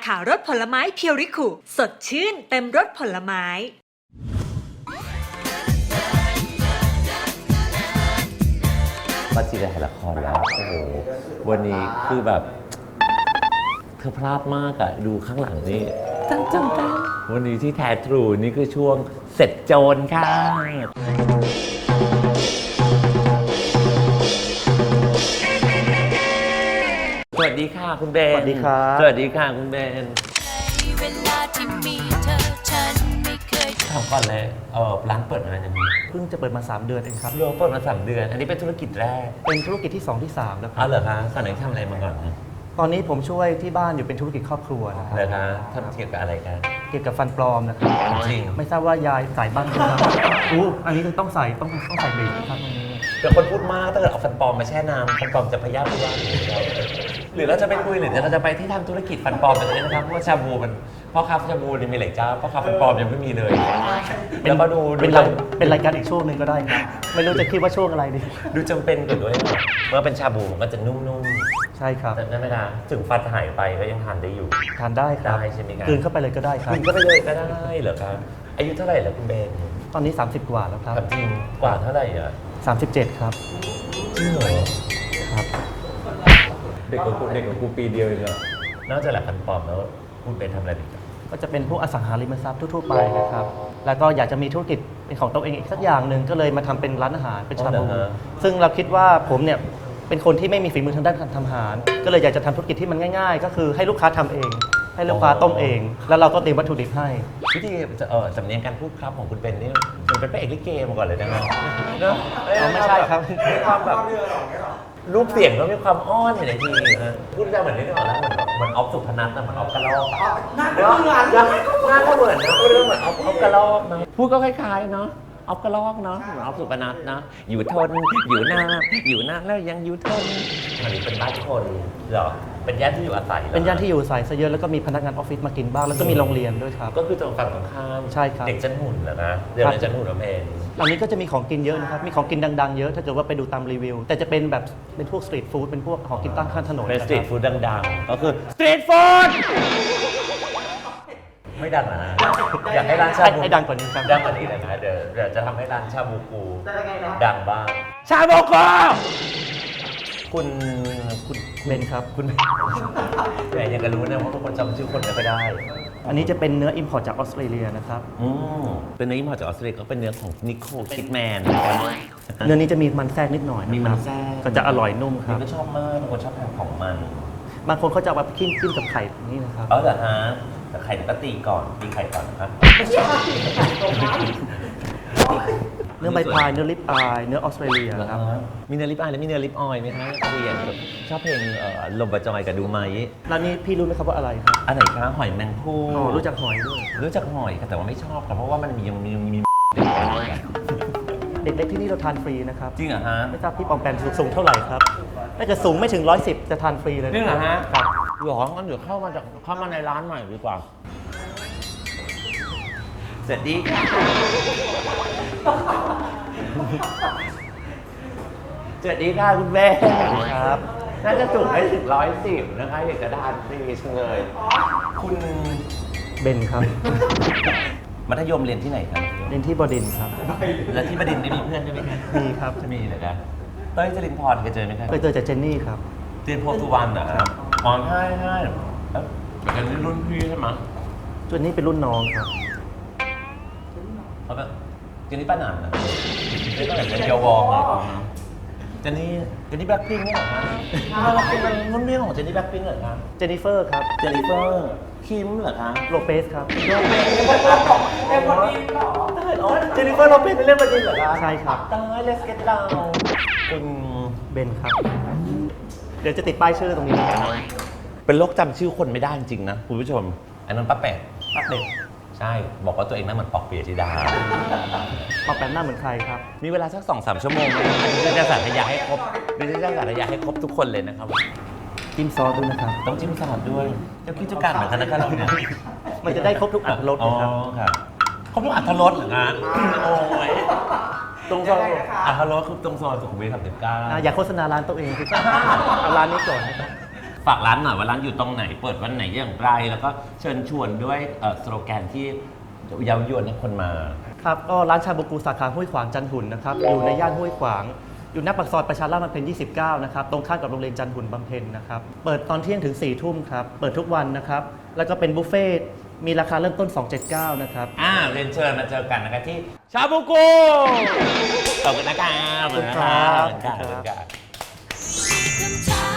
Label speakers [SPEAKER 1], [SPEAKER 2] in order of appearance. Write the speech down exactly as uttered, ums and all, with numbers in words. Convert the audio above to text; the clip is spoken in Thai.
[SPEAKER 1] ขาวรสผลไม้เพียวริคุสดชื่นเต็มรสผลไม้
[SPEAKER 2] มาจีได้ถ่ายละครแล้วโอ้โหวันนี้คือแบบเธอพลาดมากอะดูข้างหลังนี่จังจังจังวันนี้ที่แท้ทรูนี่คือช่วงเสร็จโจรค่ะสวัสดีค่ะคุณเบน
[SPEAKER 3] สวัสดีครับ
[SPEAKER 2] สวัสดีค่ะคุณเบน
[SPEAKER 4] เวลาที่มีเธอฉันไม่เคย
[SPEAKER 2] ถามก่อนเลยเออร้านเปิดมานานยังไง
[SPEAKER 3] เพิ่งจะเปิดมาสามเดือนเองครับ
[SPEAKER 2] เริ่มเปิดมาสามเดือน อันนี้เป็นธุรกิจแรก
[SPEAKER 3] เป็นธุรกิจที่สองที่สามแล้วค
[SPEAKER 2] อ๋
[SPEAKER 3] รั
[SPEAKER 2] อบ เหรอคะก่อนหน้านี้ทำอะไรมาก่อนนะ
[SPEAKER 3] ตอนนี้ผมช่วยที่บ้านอยู่เป็นธุรกิจครอบครัวนะครั
[SPEAKER 2] เหรอคะทำเกี่ยวกับอะไรกัน
[SPEAKER 3] เกี่ยวกับฟันปลอมนะครับ
[SPEAKER 2] จริง
[SPEAKER 3] ไม่ทราบว่ายายใส่บ้างไหมครับอู้อันนี้ต้องใส่ต้องต้องใส่เบรกนะครับตรงนี้
[SPEAKER 2] เป็นคนพูดมากถ้าเกิดเอาฟันปลอมมาแช่น้ำฟันปลอมจะพยาพยาหรือเราจะไปคุยหรือเราจะไปที่ทำธุรกิจฟันปลอมกันเลยนะครับเพราะว่าชาบูมันพ่อค้าชาบูนี่มีหลายเจ้าพ่อค้าฟันปลอมยังไม่มีเลยแล้วก็ดู
[SPEAKER 3] เป็นรายเป็นรายการอีกช่วงหนึ่งก็ได้ครับไม่รู้จะคิดว่าช่วงอะไรดี
[SPEAKER 2] ดูจำเป็นกว่าด้วยเมื่อเป็นชาบูมันก็จะนุ่ม
[SPEAKER 3] ใช่ครับ
[SPEAKER 2] ๆแต่นั่นไม่ได้ถึงฟันหายไปก็ยังทานได้อยู่
[SPEAKER 3] ทานได้ครับ
[SPEAKER 2] ได้ใช่ไหมครับ
[SPEAKER 3] กลืนเข้าไปเลยก็ได้ครับ
[SPEAKER 2] คุณก็ไปเลยก็ได้เหรอครับอายุเท่าไหร่แล้วคุณเบน
[SPEAKER 3] ตอนนี้ สามสิบ กว่าแล้วครับ
[SPEAKER 2] ถามจริงกว่าเท่าไหร่อ่ะ
[SPEAKER 3] สามสิบเจ็ด ครับ
[SPEAKER 2] จริงเหรอ
[SPEAKER 3] ครับ
[SPEAKER 2] เด็กกว่ากูเด็กกว่ากูปีเดียวเองเหรอนอกจากแหละฟันปลอมแล้วคุณเป็นทำอะไรอีก
[SPEAKER 3] ก็จะเป็นพวกอสังหาริมทรัพย์ทั่วๆไปนะครับ แล้วก็อยากจะมีธุรกิจเป็นของตัวเองอีกสักอย่างหนึ่งก็เลยมาทำเป็นร้านอาหารเป็นชาบูซึ่งเราคิดว่าผมเนี่ยเป็นคนที่ไม่มีฝีมือทางด้านการทำอาหาร ก็เลยอยากจะทำธุรกิจที่มันง่ายๆ ก็คือให้ลูกค้าทำเอง ให้ลูกค้าต้มเอง แล้วเราก็เตรียมวัตถุดิบให้
[SPEAKER 2] วิธีจะเออสำเนียงการพูดครับของคุณเป็นนี่มันเป็นพระเอกลิเกมาก่อนเลยนะเนาะเนอะ
[SPEAKER 3] อ๋อไม่ใช่ครับ
[SPEAKER 2] มีความแบบรูปเสียงก็มีความอ้อนอยู่ในทีนะพูดได้เหมือนนี่นึกออกแล้วเหมือนแบบเหมือนออฟสุพนัทนะเหมือนออฟกระลอกหน้าก็เหมือนหน้าก็เหมือนนะพูดเรื่องเหมือนออฟออฟกระลอกนะพูดก็คล้ายๆเนาะออฟกระลอกเนาะเหมือนออฟสุพนัทนะอยู่ทนอยู่หน้าอยู่หน้าแล้วยังอยู่ทนอันนี้เป็นบ้านคนเหรอเป็นย่านที่อยู่อาศัยหรอ
[SPEAKER 3] เป็นย่านที่อยู่อาศัยซะเยอะแล้วก็มีพนักงานออฟฟิศมากินบ้างแล้วก็มีโรงเรียนด้วยครับ
[SPEAKER 2] ก็คือตรงฝั่งตรงข้าม
[SPEAKER 3] ใช่ครับ
[SPEAKER 2] เด็กจันหุ่นเหรอนะเดี๋ยวเด็กจันหุ่นเราเอง
[SPEAKER 3] ตอนนี้ก็จะมีของกินเยอะนะครับ มีของกินดังๆเยอะถ้าเกิดว่าไปดูตามรีวิว แต่จะเป็นแบบเป็นพวกสตรีทฟู้ดเป็นพวกของกินตั้งข้างถนน
[SPEAKER 2] เป็น
[SPEAKER 3] นะ
[SPEAKER 2] ส
[SPEAKER 3] ค
[SPEAKER 2] ตรี
[SPEAKER 3] รั
[SPEAKER 2] ท
[SPEAKER 3] บ
[SPEAKER 2] ฟู้ดดังๆ ก็คือสตรีทฟู้ดไม่ดังนะ อยากให้ร้านชาบู
[SPEAKER 3] ให้ดังกว่านี้ครับ
[SPEAKER 2] ดังกว่านี้เลยนะเดี๋ยวเดี๋ยวจะทำให้ร้านชาบูกูดังบ้างชาบูกูคุณคุณ
[SPEAKER 3] เบนครับ
[SPEAKER 2] คุณแหมยังกันรู้นะว่าทุกคนจำชื่อคนไม่ค่อยได้
[SPEAKER 3] อันนี้จะเป็นเนื้ออิมพอร์ตจากออสเตรเลียนะครับ
[SPEAKER 2] อืมเป็นเนื้ออิมพอร์ตจากออสเตรเลียก็เป็นเนื้อของนิโคลคิดแมน
[SPEAKER 3] เนื้อนี้จะมีมันแทรกนิดหน่อยะครับ
[SPEAKER 2] มีมันแทรก
[SPEAKER 3] ก็จะอร่อยนุ่มค
[SPEAKER 2] นี่
[SPEAKER 3] รับ
[SPEAKER 2] ก็ชอบมากบางคนชอบทานของมัน
[SPEAKER 3] บางคนเขาจะเอาไปจิ้มจิ้มกับไข่แบบนี้นะครับ
[SPEAKER 2] เออเหรอฮะแต่ไข่ก็ตีก่อนตีไข่ก่อนนะครับ
[SPEAKER 3] เนื้อใบพายเนื้อลิปอายเนื้อออสเตรเลียครับ
[SPEAKER 2] มีเนื้อลิปอายและมีเนื้อลิปออยล์ไหมคะเรียนแบบชอบเพลงเอ่อลมบะจอยกับดูไหม
[SPEAKER 3] ร้านนี้พี่รู้ไหมครับว่าอะไรครับ
[SPEAKER 2] อันไหนคะหอยแมงภู่
[SPEAKER 3] อ๋อรู้จักหอยด้วย
[SPEAKER 2] รู้จักหอยค่ะแต่ว่าไม่ชอบค่ะเพราะว่ามันมีมีมี
[SPEAKER 3] เด็กๆที่นี่เราทานฟรีนะครับ
[SPEAKER 2] จริงเหรอฮะ
[SPEAKER 3] ไม่ทราบพี่ปอมแปมสูงเท่าไหร่ครับถ้าเกิดสูงไม่ถึงร้อยสิบจะทานฟรีเลย
[SPEAKER 2] จริงเหรอฮะ
[SPEAKER 3] ครับ
[SPEAKER 2] หรองั้นเดี๋ยวเข้ามาจากเข้ามาในร้านหน่อยดีกว่าสวัสดีค่ะสวัสดีค่ะคุณเบน
[SPEAKER 3] ครับ
[SPEAKER 2] น่าจะสูงได้ถึงร้อยสิบนะคะอยากจะทานฟรีจังเลย คุณ
[SPEAKER 3] เบนครับ
[SPEAKER 2] มัธยมเรียนที่ไหนครับ
[SPEAKER 3] เรียนที่บดินทร์ครับ
[SPEAKER 2] แล้วที่บดินทร์ได้มีเพื่อนด้วยไหมครับ
[SPEAKER 3] มีครับ
[SPEAKER 2] จะมีเหรอครับเต้ยจรินพรเคยเจอไหมครับ
[SPEAKER 3] เคยเจอจากเจนนี่ครับ
[SPEAKER 2] เจนโพสุวรรณเหรอครับอ๋อใช่ใช่เอ้าเป็นรุ่นพี่ใช่ไหม
[SPEAKER 3] ส่วนนี้เป็นรุ่นน้องครับ
[SPEAKER 2] เขาแบบเจนนี่ป้าหนานนะเจนนี่แบบเป็นเกียววองเลยเจนนี่เจนนี่แบล็คพิงค์นี่เหรอครับเป็นรุ่นพี่ของเจนนี่แบล็คพิงค์เหรอครับ
[SPEAKER 3] เจนนิเฟอร์ครับ
[SPEAKER 2] เจนนิเฟอร์คิมเหรอครับ
[SPEAKER 3] โลเปสครับ
[SPEAKER 2] เล่นบอดี้เหรออ๋อเจนนิเฟอร์โลเปสเล่นบอดี้เหรอครับ
[SPEAKER 3] ใช่ครับ
[SPEAKER 2] ตายเลสเก็ตดาวคุณ
[SPEAKER 3] เบนครับ เดี๋ยวจะติดป้ายชื่อตรงนี้นะครับ
[SPEAKER 2] เป็นโรคจำชื่อคนไม่ได้จริงๆนะคุณผู้ชม อันนั้นป้าแปะ
[SPEAKER 3] ป้าเป็ด
[SPEAKER 2] ใช่ บอกว่าตัวเองน่าเหมือนปอกเปียธิดา
[SPEAKER 3] ปอมแปมหน้าเหมือนใครครับ
[SPEAKER 2] มีเวลาสักสองสามชั่วโมงดิฉันจะสาธยายให้ครบดิฉันจะสาธยายให้ครบทุกคนเลยนะครับ
[SPEAKER 3] จิ้มซอสด้วยนะครับ
[SPEAKER 2] ต้องจิ้มสลัดด้วยเจ้าคิดเจ้าการเหมือนกันนะครับเราเนี่ย
[SPEAKER 3] มันจะได้ครบทุกอรรถรส
[SPEAKER 2] อ๋อ
[SPEAKER 3] นะครับ
[SPEAKER 2] ครับครบทุกอรรถรสเหรอคะโอ้ย
[SPEAKER 3] ตรงซอย
[SPEAKER 2] อรรถรสคือตรงซอยสุขุมวิทสามสิบเก้า
[SPEAKER 3] อ่ะอย่าโฆษณาร้านตัวเองคือเอาร้านนี้ก่อนนะครับ
[SPEAKER 2] ฝากร้านหน่อยว่าร้านอยู่ตรงไหนเปิดวันไหนอย่างไร แล้วก็เชิญชวนด้วยสโลแกนที่เย้ายวนให้คนมา
[SPEAKER 3] ครับก็ร้านชาบูกูสาขาห้วยขวางจันหุ่นนะครับอยู่ในย่านห้วยขวางอยู่หน้าปากซอยประชาราษฎร์บำเพ็ญยี่สิบเก้านะครับตรงข้ามกับโรงเรียนจันหุ่นบำเพ็ญนะครับเปิดตอนเที่ยงถึงสี่ทุ่มครับเปิดทุกวันนะครับแล้วก็เป็นบุฟเฟ่ต์มีราคาเริ่มต้นสองร้อยเจ็ดสิบเก้านะครับ
[SPEAKER 2] อ่าเรียนเชิญมาเจอกันนะครับที่ชาบูกูขอบคุณนะครับขอบคุณครับ
[SPEAKER 4] คำถาม